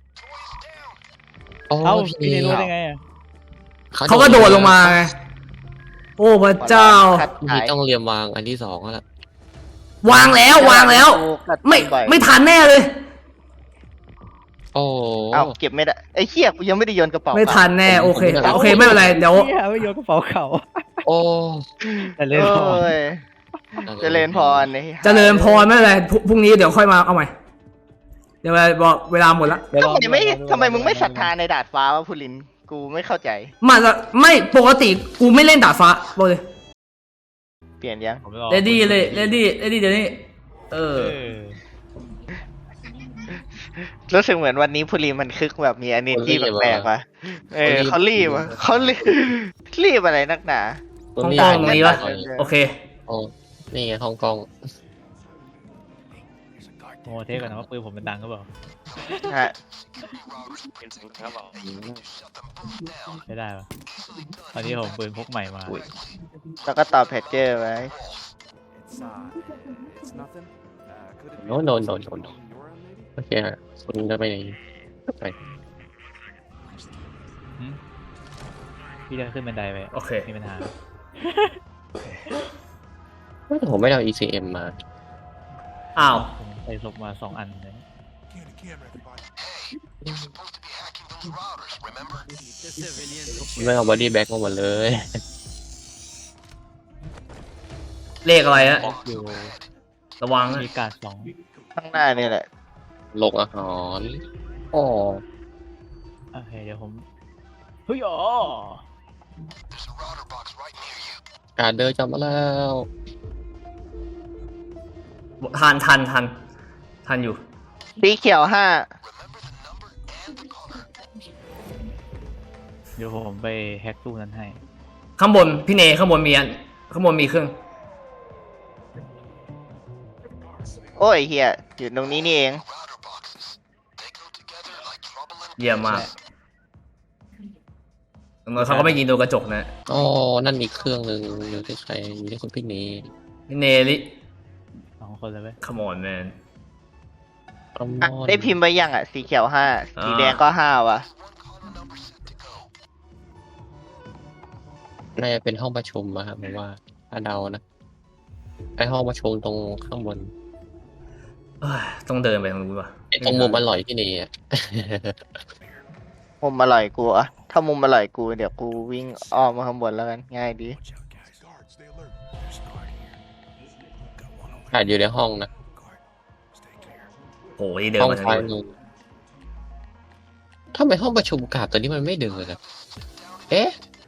Speaker 2: โอ้
Speaker 4: เอ้า
Speaker 2: พี่
Speaker 4: พี่เนรู้ได้ไงอะ
Speaker 1: เขาก็โดดลงมาไงโอ้พระเจ้า
Speaker 3: ขัด
Speaker 2: พี่
Speaker 3: ขาย
Speaker 2: ต้องเรียมวางอันที่สองแล้วล่ะ
Speaker 1: วางแล้ววางแล้ว
Speaker 3: ขัด
Speaker 1: ไม่
Speaker 3: บ่อย
Speaker 1: ไม่ทันแน่เลย
Speaker 2: โอ้
Speaker 3: เอ้าเก็บไม่ได้ไอ้เหี้ยกูยังไม่ได้โยนกระเป๋า
Speaker 1: ไม่ทันแน่โอเคโอเคไม่เป็นไรเดี๋ยว
Speaker 4: เหี้ยไม่โยนกระเป๋าเขา
Speaker 2: โอ้
Speaker 4: แต่
Speaker 3: เอ
Speaker 4: เล่นพอ
Speaker 3: ้ยเจริญพรไอ้
Speaker 1: เจริญพรไม่เป็นไรพรุ่งพรุ่งนี้เดี๋ยวค่อยมาเอาใหม่เดี๋ยวบอกเวลาหมดละ
Speaker 4: เดี๋ยวล
Speaker 3: ทำ
Speaker 4: อง
Speaker 3: ไมไม่
Speaker 4: ดู
Speaker 3: ทำไมมึงไม่ศรัทธาในดาดฟ้าวะพูลินกูไม่เข้าใจ
Speaker 1: มันจะไม่ปกติกูไม่เล่นดาดฟ้าบอกเลย
Speaker 3: เปลี่ยนยัง
Speaker 4: ผมลอง
Speaker 1: เรดี้เลยเรดี้เรดี้เดี๋ยวนี้เอ
Speaker 4: เอ
Speaker 1: อ
Speaker 4: อ
Speaker 3: รู้สึกเหมือนวันนี้พูลินมันคึกแบบมี energy แปลกๆว่ะเออเขารีบว่ะเขารีบรีบอะไรนักหนา
Speaker 1: ห้องกล้องตรงนี้วะโอเค
Speaker 2: โอ้นี่ไงห้องกล้อง
Speaker 4: โมเทสก่อนนะว่าปืนผมมันดังก็เปล่า
Speaker 3: ฮะ
Speaker 5: เป็นสิ่งที่บอก
Speaker 4: ไม่ได้ปะตอนนี้ผมปืนพกใหม่มา
Speaker 3: แล้วก็ตอบแพทเจอร์ไว้
Speaker 2: โน้โนโนโนโนโอเคฮะคุณจะไปไหนไป
Speaker 4: พี่จะขึ้นบันไดไป
Speaker 1: โอเค
Speaker 4: มีปัญหา
Speaker 2: แต่ผมไม่ได้เอา อี ซี เอ็ม มา
Speaker 1: อ้าว
Speaker 4: ผมใส่ศพมาสองอันเลย
Speaker 2: ไม่เอาบอดี้แบ็กมาหมดเลย
Speaker 1: เลขอะไรอะ
Speaker 4: อยู่
Speaker 1: ระวังนะ
Speaker 4: มีการสอง
Speaker 3: ข้างหน้านี่แหละ
Speaker 2: ลงอาหารอ๋อ
Speaker 4: โอเคเดี๋ยวผมเฮ้ยอ๋อ
Speaker 2: การเดินจำมาแล้ว
Speaker 1: ทันทันทันทันอยู่
Speaker 3: สีเขียวห้า
Speaker 4: เดี๋ยวผมไปแฮกตู้นั้นให้
Speaker 1: ข้างบนพี่เนข้างบนมีอันข้างบนมีเครื่อง
Speaker 3: โอ้ยเฮียอยู่ตรงนี้นี่เอง
Speaker 1: เยี่ยมมากตรงนั้นเขาก็ไม่ยิงโดนกระจกนะ
Speaker 2: อ๋อนั่นอีกเครื่องหนึ่งอยู่ที่ใครอยู่ที่คุณพี่นี้
Speaker 1: พี่เนลิ
Speaker 4: สองคนเลยเว้ย
Speaker 1: come on man
Speaker 2: อัลม
Speaker 3: อ่ะ
Speaker 2: อนด์
Speaker 3: ได้พิมพ์ไปยังอ่ะ สีเขียวห้า
Speaker 1: อ่า
Speaker 3: สีแดงก็ห้าวะ
Speaker 2: น่าจะเป็นห้องประชุมอะครับผมว่าถ้าเดานะไอห้องประชุมตรงข้างบน
Speaker 1: เอ้ยต้องเดินไปตรงนู้นว่ะ
Speaker 2: ไอตรงมุมอร่อยที่นี่อ่ะ
Speaker 3: มุมอร่อยกูอะถ้ามุมอร่อยกูเดี๋ยวกูวิ่งอ้อมมาข้างบนแล้วกันง่ายดี
Speaker 2: อาจอยู่ในห้องนะ
Speaker 1: โอ้ยเดิน
Speaker 2: ห้อง
Speaker 1: มาทาง
Speaker 2: ซ้าย
Speaker 1: นู้น
Speaker 2: มือทำไมห้องประชุมกาบตัวนี้มันไม่เดินอะเอ๊ะ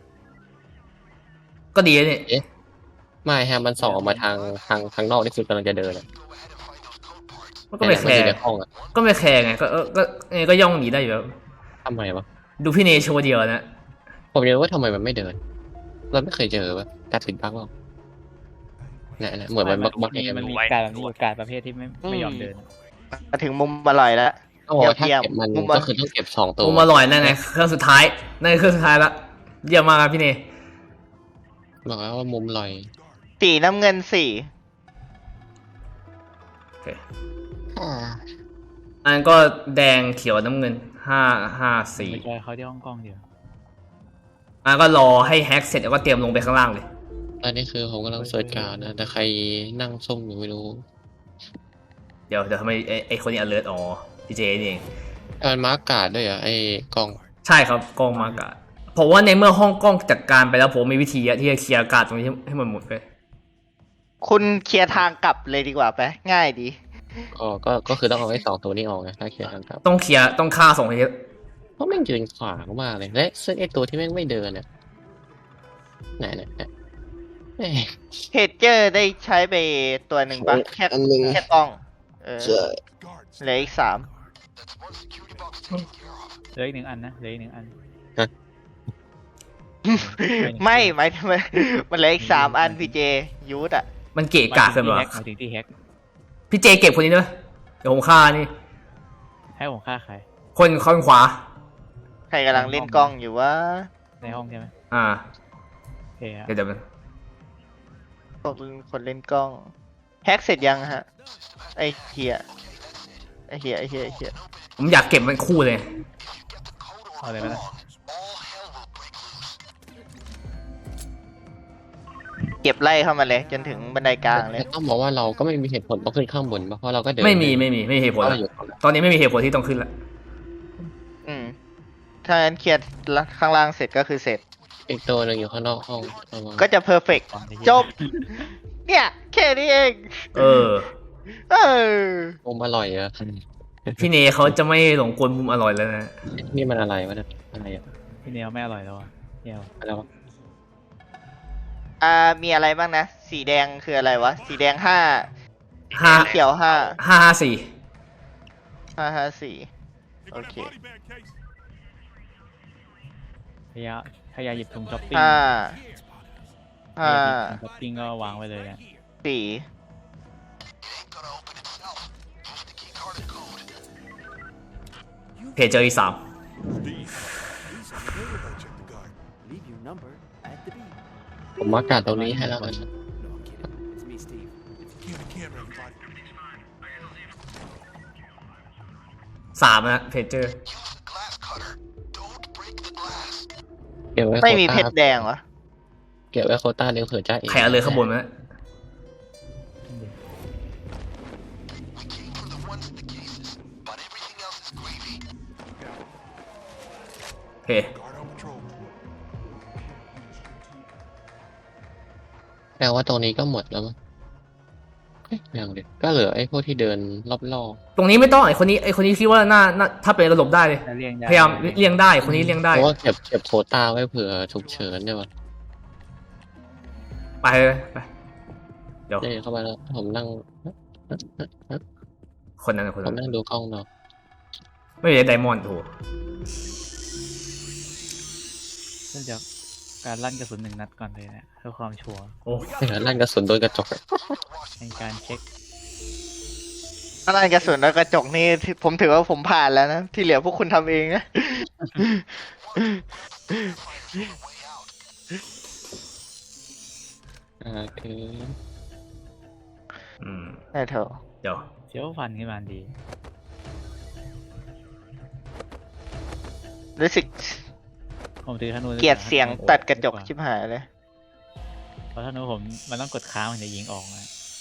Speaker 1: ก็ดีนะนี่
Speaker 2: ไม่ฮะมันส่องออกมาทางทางทางนอกที่คุณกำลังจะเดินอะ
Speaker 1: มันก็ไม่แค
Speaker 2: ต่
Speaker 1: ร์
Speaker 2: นอยู่ในห้องอะ
Speaker 1: ก็ไม่แคร์ไงก็เออก็ไงก็ย่องหนีได้อยู่แล้ว
Speaker 2: ทำไมวะ
Speaker 1: ดูพี่เนโชว์เดียวนะ
Speaker 2: ผมอยากรู้ว่าทำไมมันไม่เดิน เราไม่เคยเจอปะการติดบั๊กหรอกเนี่ยเนี่ยเหมือนมันบั๊กบั๊กเอง
Speaker 4: มันมีการแบบนี้อยู่การประเภทที่ไม่ไม่ยอมเดิน
Speaker 3: มาถึงมุมอร่อยแล้ว
Speaker 2: โอ้โหถ้า
Speaker 3: เยี่ยม
Speaker 2: เก็บมัน
Speaker 3: มุมมัน
Speaker 2: ก็คือต้องเก็บสองตัว
Speaker 1: มุมอร่อยนั่นไงเครื่องสุดท้ายนั่นคือเครื่องสุดท้ายละเยี่ยมมากครับพี่เน
Speaker 2: บอกแล้วว่ามุมลอย
Speaker 3: สีน้ำเงินสี่
Speaker 1: โอเคอันก็แดงเขียวน้ำเงินห้าห้าสี่
Speaker 4: ไม่ใช่เขาที่ห้องกล้องเดียว
Speaker 1: อันก็รอให้แฮ็กเสร็จแล้วก็เตรียมลงไปข้างล่างเลย
Speaker 2: ตอนนี้คือผมกำลังเสิร์ชการดนะแต่ใครนั่งส้มอยู่ไม่รู้
Speaker 1: เดี๋ยวเดี๋ยวทำไมไอ้ไอ้คนนี้ alert อ๋อพี่เจนี่เอง
Speaker 2: มันมาร์กการ์ดด้วยเหรอ่ะไอ้กล้อง
Speaker 1: ใช่ครับกล้องมากาดผมว่าในเมื่อห้องกล้องจัดการไปแล้วผมมีวิธีอะที่จะเคลียร์อากาศตรงนี้ให้ให้มันหมดไป
Speaker 3: คุณเคลียร์ทางกลับเลยดีกว่าไปง่ายดี
Speaker 2: อ๋อก็ก็คือต้องเอาไอ้สองตัวนี้ออกไงถ้าเคลียร์ทางกลับ
Speaker 1: ต้องเคลียร์ต้องฆ่าส่งให้เยอะ
Speaker 2: เพราะแม่งยืนขวางมากเลยและซึ่งไอ้ตัวที่แม่งไม่เดินเนี่ยไหนไหนไหนเอ้ย
Speaker 3: เพจเจอร์ได้ใช้ไปตัวหนึ่งปะแค่
Speaker 2: อันหนึ่ง
Speaker 3: แค่กล้องเออ
Speaker 2: ใช่
Speaker 3: เหลืออีกสาม
Speaker 4: เหลืออีกหนึ่งอันนะเหลืออีกหนึ่งอัน
Speaker 3: ไม่หมายถึงมันมันเหลืออีกสามอันพี่เจยูดอ่ะ
Speaker 1: มันเกะกะเกินไป
Speaker 4: ห
Speaker 1: วะ
Speaker 4: มายถึงที่แฮก
Speaker 1: พี่เจเก็บคนนี้ด้วยเดี๋ยวผมฆ่านี่
Speaker 4: ให้ผมฆ่าใคร
Speaker 1: คนข้างขวา
Speaker 3: ใครกำลังเล่นกล้องอยู่วะ
Speaker 4: ในห้องใช่ไหม
Speaker 1: อ่า
Speaker 4: โอเคครับ
Speaker 1: เดี๋ยวเดี๋ยวมัน
Speaker 3: พวกคนเล่นกล้องแฮกเสร็จยังฮะไอเฮียไอเฮียไอเฮียไอเฮีย
Speaker 1: ผมอยากเก็บมันคู่เลย
Speaker 4: เอาเลยไหมล่ะ
Speaker 3: เก็บไล่เข้ามาเลยจนถึงบันไดกลางเลย
Speaker 2: แต่ต้องบอกว่าเราก็ไม่มีเหตุผลต้องขึ้นข้างบนปะเพราะเราก็เดิน
Speaker 1: ไม่มีไม่มีไม่มีเหตุผล
Speaker 2: เรา
Speaker 1: ละ
Speaker 2: อยู่ตรงนั้น
Speaker 1: ตอนนี้ไม่มีเหตุผลที่ต้องขึ้นละ
Speaker 3: อืมถ้างั้นเคลียร์ข้างล่างเสร็จก็คือเสร็จ
Speaker 2: อีกตัวหนึ่งอยู่ข้างนอกห้องระวัง
Speaker 3: ก็จะเพอร์เฟกจบ เนี่ย แค่นี้เอง
Speaker 1: เออ
Speaker 3: เออ
Speaker 2: มุมอร่อยอะ
Speaker 1: พี่เนเขาจะไม่หลงกลมุมอร่อยแล้วนะ
Speaker 2: นี่มันอะไรวะเนี่ยอะไรอะ
Speaker 4: พี่เนียวไม่อร่อยแล้วอ่ะเนียว
Speaker 2: อะไรวะ
Speaker 3: อ่ามีอะไรบ้างนะ สีแดงคืออะไรวะ สีแดงห้า
Speaker 1: ห้า
Speaker 3: สีเขียวห้า
Speaker 1: ห้าห้าสี่
Speaker 3: ห้าห้าสี่โอเค
Speaker 4: พยายามพยายามหยิบถุงช้อปปิ้ง
Speaker 3: ห้า
Speaker 4: พยา
Speaker 3: ห้าย
Speaker 4: ามหยิบถุงช้อปปิ้งก็วางไว้เลยนะ
Speaker 3: สี่
Speaker 1: เพจเจออีกสาม
Speaker 6: Leave your number at the beep.
Speaker 2: ผมมากาดตรงนี้ให้แล้วกัน
Speaker 6: No, I'm kidding. It's me, Steve.
Speaker 1: สามนะเพจเจอ
Speaker 2: เก็บไว้
Speaker 3: ไม่
Speaker 2: โคว
Speaker 3: มี
Speaker 2: ต้า
Speaker 3: เพชรแดงวะ
Speaker 2: เก็บไว้โควต้าเดี๋ยวเผื่อจ้าเอง
Speaker 1: ใครเอาเลยข้างบนมาโอเค
Speaker 2: แปลว่าตรงนี้ก็หมดแล้วมั้งเอ๊ะยังเดี๋ยวก็เหลือไอ้พวกที่เดินรอบ
Speaker 1: ตรงนี้ไม่ต้องไอคนนี้ไอคนนี้คิดว่าน่าน่าถ้าเป็นระบบได้เลย
Speaker 4: แล้วเรียงได้
Speaker 1: พยายามเลี่ยงได้คนนี้เลี่ยง
Speaker 2: ๆ
Speaker 1: ได้
Speaker 2: เพราะว่าเก็บเก็บโควต้าไว้เผื่อฉุกเฉินเนี่ยวะ
Speaker 1: ไปเลยไปเดี๋ยว
Speaker 2: เดี๋ยวเข้ามาแล้วผมนั่ง
Speaker 1: คนนั้นนะคน
Speaker 2: ผ
Speaker 1: นั้
Speaker 2: ม
Speaker 1: น
Speaker 2: นั่งดูกล้องเนาะ
Speaker 1: ไม่มีไดมอนด์โอ้โห
Speaker 4: เริ่มจากการลั่นกระสุนหนึ่งนัดก่อนเลยนะเพื่อความชัวร์
Speaker 1: โอ้
Speaker 2: ไม่เห็นลั่นกระสุนโดนกระจก
Speaker 4: ในการเช็ค
Speaker 3: อะไรกระสุนแล้วกระจกนี่ผมถือว่าผมผ่านแล้วนะ ที่เหลือพวกคุณทำเองนะ
Speaker 2: อ่าคือ
Speaker 1: อืม
Speaker 3: ได้เถอะ
Speaker 1: เดี๋ยว
Speaker 4: เสียวฟันขึ้นมาดี
Speaker 3: รู้สึก
Speaker 4: ผมถือธนู
Speaker 3: เกลียดเสียงตัดกระจกชิบหายเลย
Speaker 4: เพราะธนูผมมันต้องกดค้างมันจะยิงออกนะ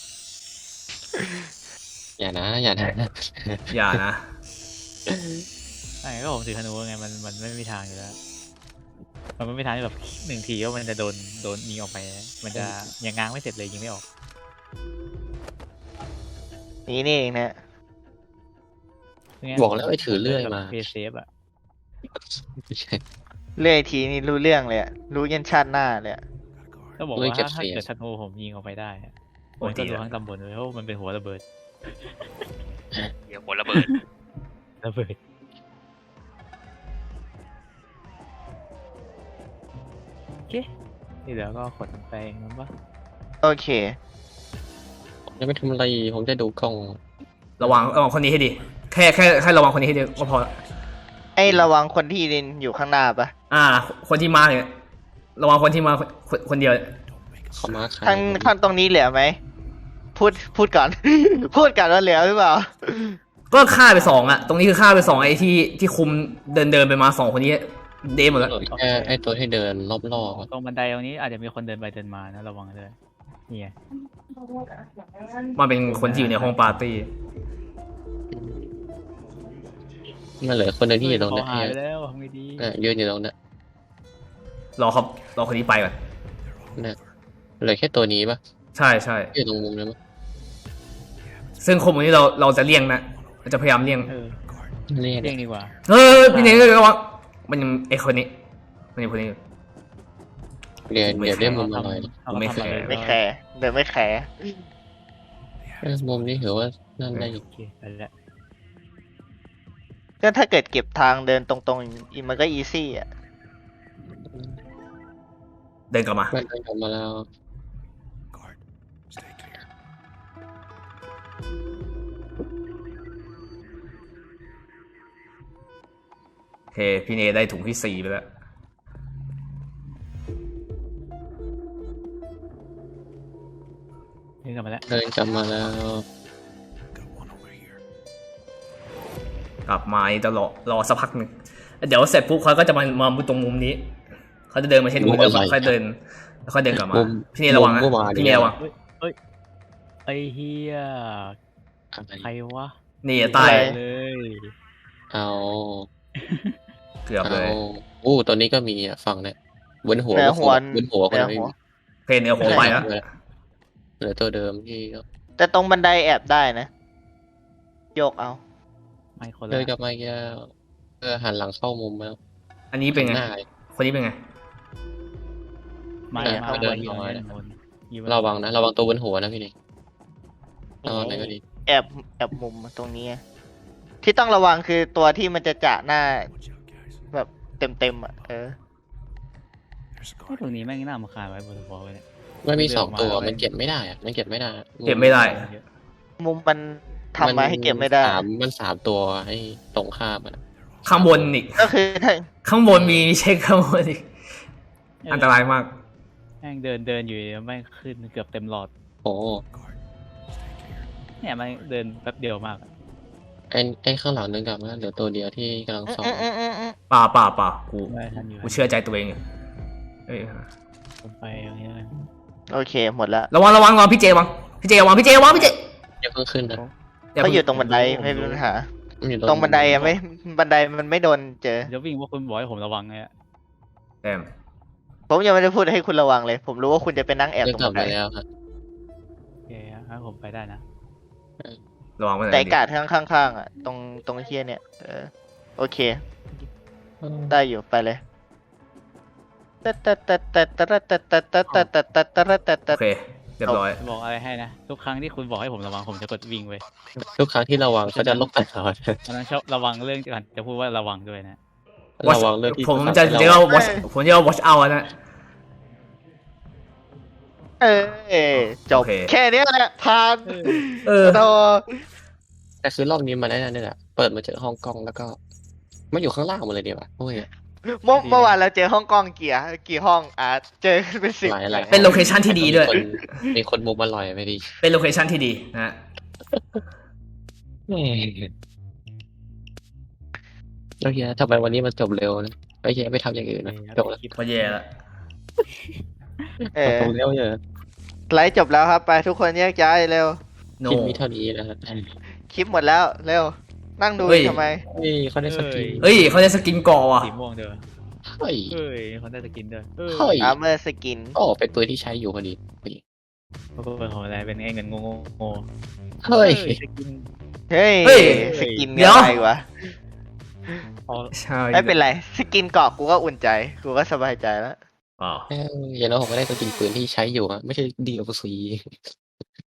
Speaker 2: อย่านะ อย่านะ
Speaker 1: อย่านะ
Speaker 4: ใช่ก็ผมถือธนูไงมันมันไม่มีทางอยู่แล้ว มันไม่มีทางที่แบบหนึ่งทีก็มันจะโดนโดนยิงออกไป มันจะยังง้างไม่เสร็จเลยยิงไม่ออก
Speaker 3: นี่นี่เองนะ
Speaker 2: บอกแล้วไอ้ถือเลื่อยมา
Speaker 4: เพย์เซฟอะ
Speaker 2: ไม่ใช่
Speaker 3: เรื่อยทีนี่รู้เรื่องเลยอะรู้ยันชาติหน้าเลยอะ
Speaker 4: ก็บอก
Speaker 2: เลื่อย
Speaker 4: ว่า
Speaker 2: เก็บ
Speaker 4: ถ้า
Speaker 2: เสียง
Speaker 4: เกิดธนูผมยิงออกไปได้อะผ
Speaker 1: โอ้
Speaker 4: ม
Speaker 1: ย
Speaker 4: จะ
Speaker 1: ดี
Speaker 4: รู้
Speaker 1: ละ
Speaker 4: ทั้งตำบลเลยเพราะว่ามันเป็นหัวระเบิด
Speaker 5: เดี๋ยวหัวระเบิด
Speaker 4: ระเบิดโอเคที่เหลือก็ขนไปเองมั้งปะ
Speaker 3: โอเค
Speaker 2: ผมจะไม่ทำอะไร ผมจะดูกล้อง
Speaker 1: ระวังระวังคนนี้ให้ดี แค่แค่แค่ระวังคนนี้ให้ดีก็พอละ
Speaker 3: ไอ้ระวังคนที่ดินอยู่ข้างหน้าปะ
Speaker 1: อ่า คนที่มาเนี่ยระวังคนที่มาคนคนเดียว
Speaker 2: เขามาใคร
Speaker 3: ข้างข้างตรงนี้เหลือไหม พูดพูดก่อน พูดก่อนว่าเหลือหรือเปล่า
Speaker 1: ก็ฆ่าไปสองอะตรงนี้คือฆ่าไปสองไอ้ที่ที่คุมเดินเดินไปมาสองคนนี้เดมหมดแล้ว
Speaker 2: เหลือแค่ไอ้ตัวที่เดินรอบๆอะ
Speaker 4: ตรงบันไดตรงนี้อาจจะมีคนเดินไปเดินมานะระวังเลยนี่ไง
Speaker 1: มันเป็นคนที่อยู่ในห้องปาร์ตี้
Speaker 2: มันเหลือคนหนึงที่อยู่ตรง
Speaker 4: เขา
Speaker 2: นั้น
Speaker 4: หายไปแล้วทำไงดี
Speaker 2: เออยืนอยู่ตรงนั้น
Speaker 1: รอครับรอคนนี้ไปก่อน
Speaker 2: เนี่ยเหลือแค่ตัวนี้ปะ
Speaker 1: ใช่ใช่
Speaker 2: ที่อยู่ตรงมุมนั้นปะ
Speaker 1: ซึ่งคนพวกนี้เราเราจะเลี่ยงนะเราจะพยายามเลี่ยง
Speaker 4: เออ
Speaker 2: นี่
Speaker 4: เรียกดีกว่า
Speaker 1: เออพี่เนยระวังมันยังไอ้คนนี้มันยังคนนี้อยู่
Speaker 2: เดี๋ยว
Speaker 1: ไม่
Speaker 2: เดี๋ยว
Speaker 1: แคร์
Speaker 2: ได้มุมอร่อย
Speaker 4: เอา
Speaker 1: ไม่
Speaker 4: มา
Speaker 1: แค
Speaker 4: ทำ
Speaker 1: ร์
Speaker 4: เลย
Speaker 3: ไม่แคร์เดินไม่แคร์
Speaker 2: เออมุมนี้ถือว่านั่นได้อยู่
Speaker 4: โอเคไปแล้ว
Speaker 3: ก็ถ้าเกิดเก็บทางเดินตรงๆอีมันก็อีซี่อ่ะ
Speaker 1: เดินกลับมา
Speaker 2: มันเดินกลับมาแล้ว
Speaker 6: Guard, stay clear.
Speaker 1: โอเค พี่เนได้ถุงที่สี่ไปแล้ว
Speaker 4: นี่กลับมาแล้ว
Speaker 2: เดินกลับมาแล้ว
Speaker 6: Got one over here.
Speaker 1: กลับมานี่จะรอรอสักพักหนึ่งเดี๋ยวเสร็จปุ๊บเขาก็จะมามาตรงมุมนี้เขาจะเดินมาเช่นมุมเดิมค่อยเดินแล้วค่อยเดินกลับมา
Speaker 2: มุม
Speaker 1: พี่เนระวังนะ
Speaker 2: มุมเมื่อวาน
Speaker 1: พี่เนระวัง
Speaker 4: ไอ้เฮีย
Speaker 2: อะไร
Speaker 4: ใครวะ
Speaker 1: นี่ใต้
Speaker 4: เลย
Speaker 2: เอา
Speaker 1: เกือบเลย
Speaker 2: เอาอู้ตัวนี้ก็มีอ่ะฝั่งเนี่ยบนหัว
Speaker 3: เหนือหัว
Speaker 2: บนหัวคน
Speaker 3: เหนือ
Speaker 2: ไม่
Speaker 3: หัว
Speaker 2: มี
Speaker 1: เพนเนื้อหัวไปแล้ว
Speaker 2: เหลือตัวเดิมที่
Speaker 3: แต่ตรงบันไดแอบได้นะ โยกเอา
Speaker 4: ไม่คนละ
Speaker 2: เดินกลับมาแก้วเออหันหลังเข้ามุมแล้ว
Speaker 1: อันนี้เป็นไง
Speaker 2: หน้า
Speaker 1: คนนี้เป็นไง
Speaker 4: ไม่
Speaker 2: เออ
Speaker 4: ไม่
Speaker 2: เดิน
Speaker 4: ไม่
Speaker 2: น้อย
Speaker 4: ไม่
Speaker 2: นะ
Speaker 4: ไม่
Speaker 2: ระวังนะระวังตัวบนหัวนะพี่นี่นอนไหนก็ดี
Speaker 3: แอบแอบมุมตรงนี้อะที่ต้องระวังคือตัวที่มันจะจะหน้า
Speaker 6: Watch out, guys.
Speaker 3: แบบเต็มๆอ่ะ เออ
Speaker 6: There's a
Speaker 4: ไอ้
Speaker 6: guard.
Speaker 4: ตรงนี้แม่งน่ามาคานไว้บนหัวเลย
Speaker 2: มันมีสองตัว
Speaker 4: เดินออกมา
Speaker 2: มันเก็บไม่ได้อะมันเก็บไม่ได้
Speaker 1: เก็บไม่ได้
Speaker 3: มุมมันทำมาให้เก็บไม่ได้
Speaker 2: สามมันสามตัวให้ตรงข้ามอ่ะ
Speaker 1: ข้างบนอีก
Speaker 3: ก็คือถ้า
Speaker 1: ข้างบนมีเช็คข้างบนอีกอันตรายมาก
Speaker 4: แม่งเดินเดินอยู่แม่งขึ้นเกือบเต็มหลอด
Speaker 2: โอ้
Speaker 6: Guard, stay clear.
Speaker 4: เนี่ยแม่งเดินแป๊บเดียวมากอะ
Speaker 2: ไอ้ไอ้ข้างหลังนึงกลับมาเหลือตัวเดียวที่กำลังสอง
Speaker 3: อืมอืมอืม
Speaker 1: ป่าป่าป่ากู
Speaker 4: ไม่ทันอยู่
Speaker 1: กูเชื่อใจตัวเองอยู่เอ้ย
Speaker 4: ผมไปอย่างนี้เลย
Speaker 3: โอเค หมดแล้ว
Speaker 1: ระวังระวังระวังพี่เจระวังพี่เจระวังพี่เจระวังพี่เจ
Speaker 2: อย่าเพิ่งขึ้นนะ
Speaker 1: อย่า
Speaker 3: เขา
Speaker 1: เพิ่ง
Speaker 3: อยู่ตรงบันไดไม่มีปัญหา
Speaker 2: มันอยู่
Speaker 3: ตรงบันไดอะไม่ บันไดมันไม่โดนเจอ
Speaker 4: เดี๋ยววิ่งว่าคุณบอกให้ผมระวังไงอะ
Speaker 1: แต้ม
Speaker 3: ผมยังไม่ได้พูดให้คุณระวังเลย ผมรู้ว่าคุณจะไปนั่งแอบ
Speaker 2: เดิน
Speaker 3: ตรง
Speaker 2: กลั
Speaker 3: บั
Speaker 2: บ
Speaker 3: นได
Speaker 2: มาแล้วครับ
Speaker 4: โอเคครับผมไปได้นะ
Speaker 1: ระวังไว้หน่
Speaker 3: แต่
Speaker 1: อยดิ
Speaker 3: กาดข้างข้างข้างๆอ่ะ ตรงตรงเฮียเนี่ย เออ โอเค ได้อยู่ไปเลย
Speaker 1: โอเคเรียบร้อย
Speaker 4: บอกอะไรให้นะทุกครั้งที่คุณบอกให้ผมระวังผมจะกดวิ่งไป
Speaker 2: ทุกครั้งที่ระวังเขาจะลบตลอด
Speaker 4: เพราะฉะนั้นชอบระวังเรื่องก่อนจะพูดว่าระวังด้วยนะ
Speaker 2: ระวังเรื่องที่
Speaker 1: ผมจะเรียกว่า watch ผมจะเรียกว่า watch out นะ
Speaker 3: เออจบ
Speaker 1: โอเค
Speaker 3: แค่เนี้ยแหละผ่าน
Speaker 1: เออ
Speaker 3: โต
Speaker 2: แต่คือรอบนี้มันได้นั่นนี่แหละเปิดมาเจอห้องกล้องแล้วก็มันอยู่ข้างล่างหมดเลยดีป่ะโอ้ย
Speaker 3: เมื่อเมื่อวานเราเจอห้องกล้องกี่อะกี่ห้องอ่ะเจอเป็นสิบ
Speaker 2: หลายหลาย
Speaker 1: เป็นโลเคชั่นที่ดีด้วย
Speaker 2: มีคนมีคนมุมอร่อยไม่ดี
Speaker 1: เป็นโลเคชั่นที่ดีนะฮะ
Speaker 2: โอเคทำไมวันนี้มันจบเร็วนะโอเคไม่ทำอย่างอื่นนะจบแล้ว
Speaker 1: พอแย่ละ
Speaker 3: เออ
Speaker 2: จบเร็วเยอะ
Speaker 3: ไลฟ์จบแล้วครับ ไปทุกคนแยกย้ายเร็ว
Speaker 1: โน
Speaker 2: คลิปมีเท่านี้นะฮะ
Speaker 3: คลิปหมดแล้ว เร็ว นั่งดู
Speaker 1: เฮ้ย
Speaker 3: ทำไม
Speaker 2: นี่เขาได้สกิน
Speaker 1: เฮ้ยเขาจะสกินก่อว่ะ
Speaker 4: สีม่วงเด้อ
Speaker 2: เฮ้ย
Speaker 4: เฮ้ยเขาได้สกินด้วยเออ
Speaker 2: เฮ้ย
Speaker 3: อาร์เมอร์สกิน
Speaker 2: โอ้เป็นปืนที่ใช้อยู่พอดีพอดี
Speaker 4: เขาเป็นของอะไรเป็นไอ้เงินงงงง
Speaker 2: เฮ้ย
Speaker 4: สกิน
Speaker 3: เฮ้ย
Speaker 1: เฮ้ย
Speaker 3: สกิน
Speaker 1: เดี๋ยว
Speaker 3: อะไรวะ
Speaker 4: พอ
Speaker 1: ใช่
Speaker 3: ไม่เป็นไร สกินเกาะกูก็อุ่นใจ กูก็สบายใจแล้ว
Speaker 1: อ๋อ
Speaker 2: เอ้ยอย่างน้อยผมก็ได้สกินปืนที่ใช้อยู่อะไม่ใช่ดีโอซี